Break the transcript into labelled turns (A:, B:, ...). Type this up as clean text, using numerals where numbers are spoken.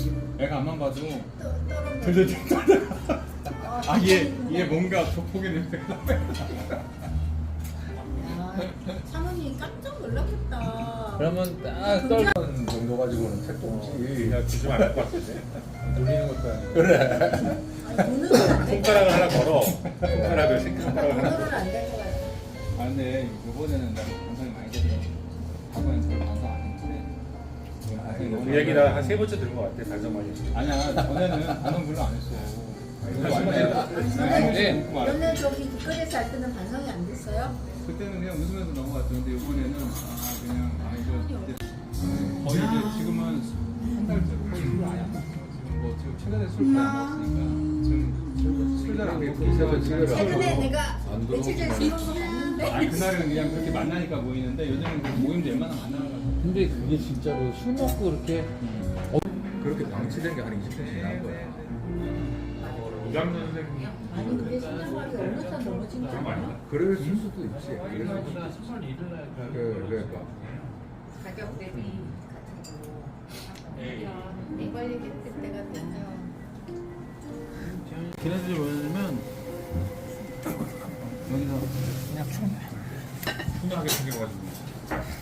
A: 애가 앞만 봐도 들들들 떨다가 얘 뭔가 조폭의 냄새가 나요.
B: 사모님 깜짝 놀랐겠다.
C: 그러면 딱 떨는 정도 가지고는 택도 없지.
D: 야 주시면 안 될 것 같은데.
C: 놀리는 것도 아니고.
B: 돈은 안 될 것
D: 손가락을
B: 같아.
D: 하나 걸어. 손가락을 새끼손가락을 하나
B: 돈은
D: 걸어.
B: 안 될 것 같아.
A: 아 근데 이번에는 나 반성이 많이 되더라고. 과거엔 별 반성 안 했는데
D: 그 얘기 나한 3번째 들은 것 같아. 반성 많이 했어.
A: 아니야 전에는 반성 별로 안 했어.
C: 네.
B: 원래 저기 길거리에서 할 때는 반성이 안 됐어요?
A: 그때는 그냥 웃으면서 넘어갔었는데 이번에는 그냥 이제 거의 이제 지금은 한 달째 거의 술을 아예 안 먹어요. 지금 뭐 지금 최근에 술 거의 안 먹었으니까 지금 술 잘 안 먹고
B: 최근에 내가
C: 안
B: 며칠 전에 술 먹고 갔는데
A: 아니 그날은 그냥 그렇게 만나니까 모이는데 요즘은 그 모임도 웬만하면 안 나가가지고
C: 근데 그게 진짜로 술 먹고 그렇게
E: 그렇게 방치된 게 한 20년 지난 거야.
D: 이강년 선생님.
B: 아니 근데 신장관이 어느 날 넘어진 거 아니야?
E: 그럴 수도 있지. 그럴 수도 있지. 그러니까.
B: 가격 대비 같은 거. 내 관리 했을 때가 되면
A: 걔네들이 뭐냐면 여기서 그냥
D: 훈훈하게 생겨가지고.